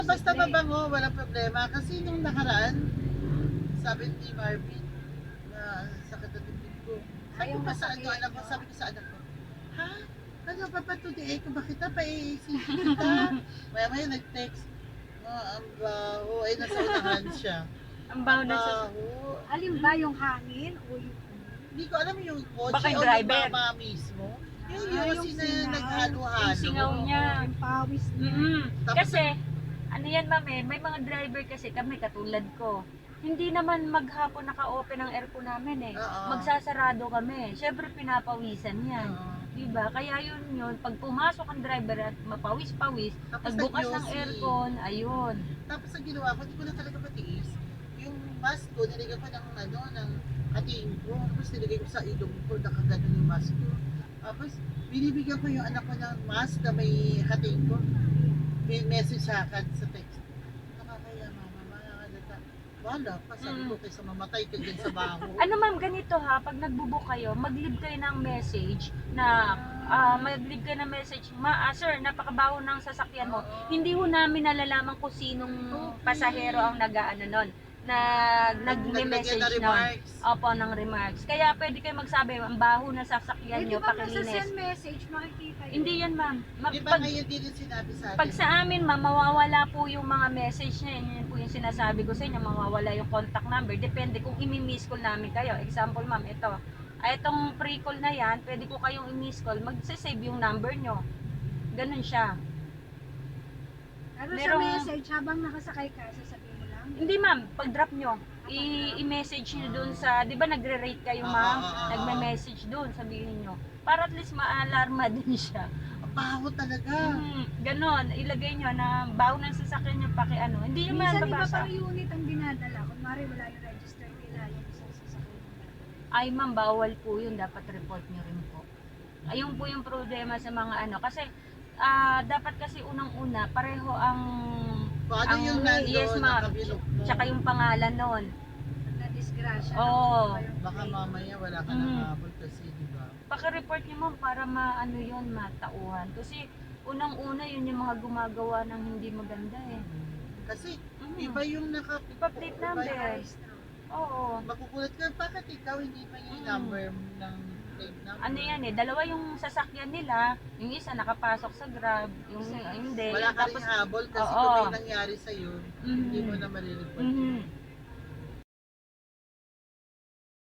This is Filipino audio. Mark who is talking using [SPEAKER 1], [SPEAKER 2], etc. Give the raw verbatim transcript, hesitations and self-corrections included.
[SPEAKER 1] Basta mabango, walang problema. Kasi nung nakaraan, sabi ni Marvin, na sakit na dibdib ko. Sabi
[SPEAKER 2] Ayaw
[SPEAKER 1] ko pa sa ano,
[SPEAKER 2] masakit,
[SPEAKER 1] anak ko,
[SPEAKER 2] no?
[SPEAKER 1] sabi ko sa anak ko, ha? Ano, papatudiin ko ba kita? Pa-i-sisi kita? Maya maya nag-text. Oh, ang baho. Ay, nasa unahan siya.
[SPEAKER 3] Ang
[SPEAKER 1] Ang
[SPEAKER 3] baho na sa...
[SPEAKER 1] baho.
[SPEAKER 2] Alin ba yung hangin o yung...
[SPEAKER 1] Hindi ko alam yung kotse
[SPEAKER 3] Baka yung
[SPEAKER 1] o yung
[SPEAKER 3] driver.
[SPEAKER 1] mama mismo. Yung
[SPEAKER 2] Ah,
[SPEAKER 1] yung
[SPEAKER 2] yung
[SPEAKER 1] sina
[SPEAKER 2] singaw.
[SPEAKER 1] naghalo-halo.
[SPEAKER 3] Yung singaw niya.
[SPEAKER 2] Yung pawis niya.
[SPEAKER 3] Mm-mm.
[SPEAKER 1] Tapos-
[SPEAKER 3] Kasi, ano yan ma'am eh, may mga driver kasi kami katulad ko. Hindi naman maghapon naka-open ang aircon namin eh.
[SPEAKER 1] Oo.
[SPEAKER 3] Magsasarado kami. Siyempre pinapawisan yan.
[SPEAKER 1] Oo.
[SPEAKER 3] Diba? Kaya yun yun, pag pumasok ang driver at mapawis-pawis,
[SPEAKER 1] Tapos
[SPEAKER 3] nagbukas ng
[SPEAKER 1] nag-yosi.
[SPEAKER 3] aircon, ayun.
[SPEAKER 1] Tapos ang ginawa ko, hindi ko na talaga matiis. Yung mask ko, nilagay ko ng ano, ng hatiin ko. Tapos nilagay ko sa ilong ko, nakaganon yung mask ko. Tapos binibigyan ko yung anak ko ng mask na may hatiin ko. May message sa akin sa text. Nakakaya mama, makakalata. Wala pa, sabi ko kaysa mamatay ka dyan sa baho.
[SPEAKER 3] Ano ma'am, ganito ha, pag nagbubook kayo, mag-leave kayo ng message na ah, mag-leave kayo ng message, ma, ah, sir, napakabaho ng sasakyan mo.
[SPEAKER 1] Oo.
[SPEAKER 3] Hindi ho namin nalalaman kung sinong
[SPEAKER 1] Okay.
[SPEAKER 3] pasahero ang nag-ano nun, na
[SPEAKER 1] Naglagay
[SPEAKER 3] nag-message
[SPEAKER 1] na
[SPEAKER 3] nun.
[SPEAKER 1] remarks.
[SPEAKER 3] Opo, ng remarks. Kaya pwede kayo magsabi, ang baho ng sasakyan
[SPEAKER 2] Eh, di
[SPEAKER 3] nyo,
[SPEAKER 2] ba nasa
[SPEAKER 3] pakilinis.
[SPEAKER 2] send message, makikita yun?
[SPEAKER 3] Hindi yan ma'am. Ma-
[SPEAKER 1] Di ba
[SPEAKER 3] pag,
[SPEAKER 1] ngayon din yung sinabi sa atin?
[SPEAKER 3] pag sa amin ma'am, mawawala po yung mga message na yun. Yun po yung sinasabi ko sa inyo, mawawala yung contact number. Depende kung imi-miss call namin kayo. Example ma'am, ito. Ay, itong pre-call na yan, pwede ko kayong i-miss call. Mag-save yung number nyo. Ganun siya.
[SPEAKER 2] Pero sa
[SPEAKER 3] merong-
[SPEAKER 2] message, habang nakasakay ka, sasabihin mo lang.
[SPEAKER 3] Hindi ma'am, pag-drop nyo, i- i-message nyo dun sa, di ba nagre-rate kayo ma'am?
[SPEAKER 1] Ah, ah, ah, ah.
[SPEAKER 3] Nagme-message dun, sabihin nyo. Para at least ma-alarma din siya.
[SPEAKER 1] Ang baho talaga.
[SPEAKER 3] Mm, ganon, ilagay nyo na bago ng sasakyan nyo paki ano. Hindi yung
[SPEAKER 2] Minsan iba
[SPEAKER 3] mababasa.
[SPEAKER 2] pang unit ang dinadala. Kunwari wala yung register nila, yung isang sasakyan nila.
[SPEAKER 3] Ay ma'am, bawal po yun. Dapat report nyo rin po. Ayun po yung problema sa mga ano. Kasi, ah, dapat kasi unang-una, pareho ang...
[SPEAKER 1] Kung ano
[SPEAKER 3] ang,
[SPEAKER 1] yung nandun,
[SPEAKER 3] yes ma'am,
[SPEAKER 1] nakabilog mo.
[SPEAKER 3] tsaka yung pangalan nun.
[SPEAKER 2] Pag na-disgrasya.
[SPEAKER 3] Oo.
[SPEAKER 1] Baka mamaya wala ka
[SPEAKER 3] Mm.
[SPEAKER 1] nang habol kasi, di ba?
[SPEAKER 3] Paki-report nyo ma'am para maano yun, matauhan. Kasi, unang-una yun yung mga gumagawa ng hindi maganda eh.
[SPEAKER 1] Kasi,
[SPEAKER 3] Mm.
[SPEAKER 1] iba yung naka...
[SPEAKER 3] Iba plate
[SPEAKER 1] iba
[SPEAKER 3] number.
[SPEAKER 1] yung-
[SPEAKER 3] Oo.
[SPEAKER 1] Makukulat ka, bakit ikaw hindi pa yung
[SPEAKER 3] Mm.
[SPEAKER 1] number ng plate number?
[SPEAKER 3] Ano yan eh, dalawa yung sasakyan nila, yung isa nakapasok sa Grab, yung
[SPEAKER 2] Isa-
[SPEAKER 3] hindi.
[SPEAKER 1] Wala ka rin
[SPEAKER 3] Tapos,
[SPEAKER 1] habol kasi
[SPEAKER 3] Oo.
[SPEAKER 1] kung may nangyari sa'yo,
[SPEAKER 3] Mhm.
[SPEAKER 1] hindi mo na marireport.
[SPEAKER 3] Mhm.